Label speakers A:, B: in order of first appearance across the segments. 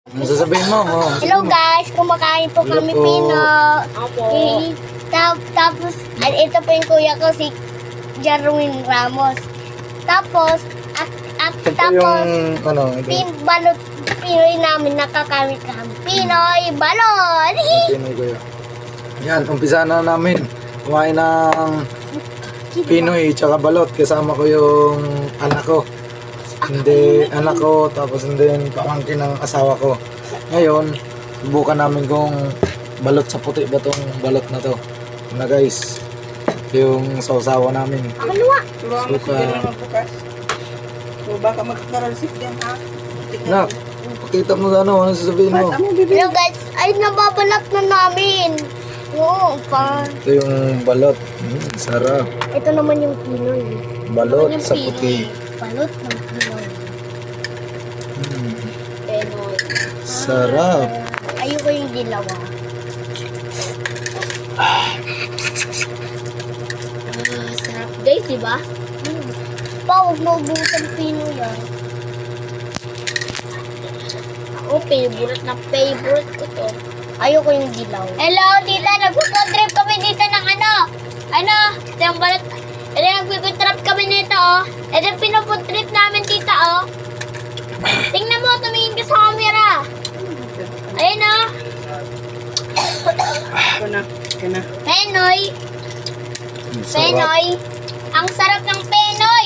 A: Ano sasabihin mo?
B: Hello guys, kumakain po
A: Hello
B: kami
A: po.
B: pino.
C: Opo.
B: Tapos, ito po yung kuya ko, si Jarwin Ramos. Tapos,
A: Ito po
B: tapos,
A: yung, ano,
B: balot, Pinoy namin nakakamit kami. Pinoy balot!
A: Pinoy ko yun. Yan, umpisa na namin. Kumain ng Pinoy tsaka balot. Kasama ko yung anak ko. Hindi, anak ko, tapos hindi pamangkin ng asawa ko. Ngayon, subukan namin kung balot sa puti ba tong balot na to. Ito na guys, ito yung sausawa namin.
B: Akaluwa!
C: Turuan mo si
A: Suka.
C: Jerry magbukas. So baka magkakaralsik yan ha.
A: Nak, pakita mo ano sasabihin mo.
C: Bata mo, bibi.
B: Hello guys, ay nababalat na namin. Oo, pa.
A: Ito yung balot. Sarap.
B: Ito naman yung Pinoy.
A: Balot
B: Ito naman yung
A: sa
B: Pinoy.
A: puti.
B: Balot ng Pinoy.
C: Penoy.
A: Sarap.
B: Ayoko yung dilawa. Sarap guys, di ba? Pa, huwag maubusan Pinoy ah. Ako, favorite na favorite ko to. Ayoko yung dilaw. Hello, tita. Nagpupuntrip kami dito ng ano? Ano? Ito yung balat. Ito yung nagpupuntrip kami nito, oh. Ito yung pinupuntrip namin, tita, oh. Tingnan mo, tumingin ka sa camera. Ayun, oh.
C: Ito na. Ito na.
B: Penoy.
A: Sarap.
B: Penoy. Ang sarap ng Penoy.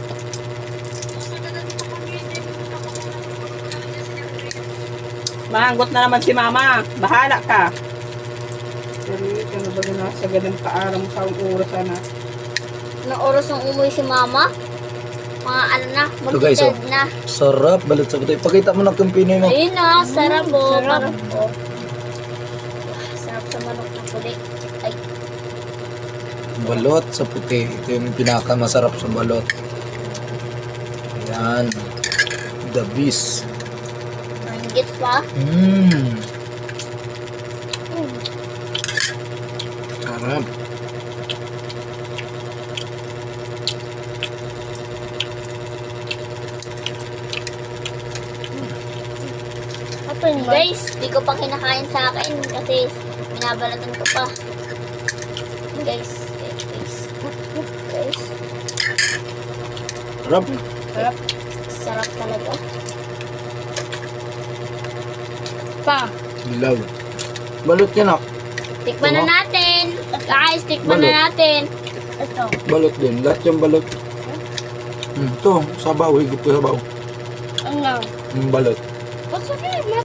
C: Maanggot na naman si mama. Bahala ka. Jerry, ano ba na sa ganang kaaram sa oras na?
B: Nang oras ng umuwi si mama. Mga ano na,
A: Ito, guys,
B: mag-dead
A: oh.
B: na.
A: Sarap, balot sa puti. Pakita mo na kung Pinoy mo.
B: Ayun na, sarap po. Sarap po. Sarap sa manok na puli. Ay,
A: Balot sa puti. Ito yung pinakamasarap sa balot. Ayan. The beast.
B: nanggit pa.
A: Sarap.
B: Ito yun, guys, di ko pa kinakain sa akin kasi binabalatan ko pa. Guys.
A: Sarap.
C: Sarap.
B: Sarap talaga.
C: Pa.
A: Dilaw. Balot yan ah.
B: Tikman na
A: Tama.
B: natin. Guys, tikman na
A: Balot.
B: natin. Ito.
A: Balot din. Lahat yung balot. Ito, sabaw. Higop ko sabaw.
B: Ano?
A: Balot.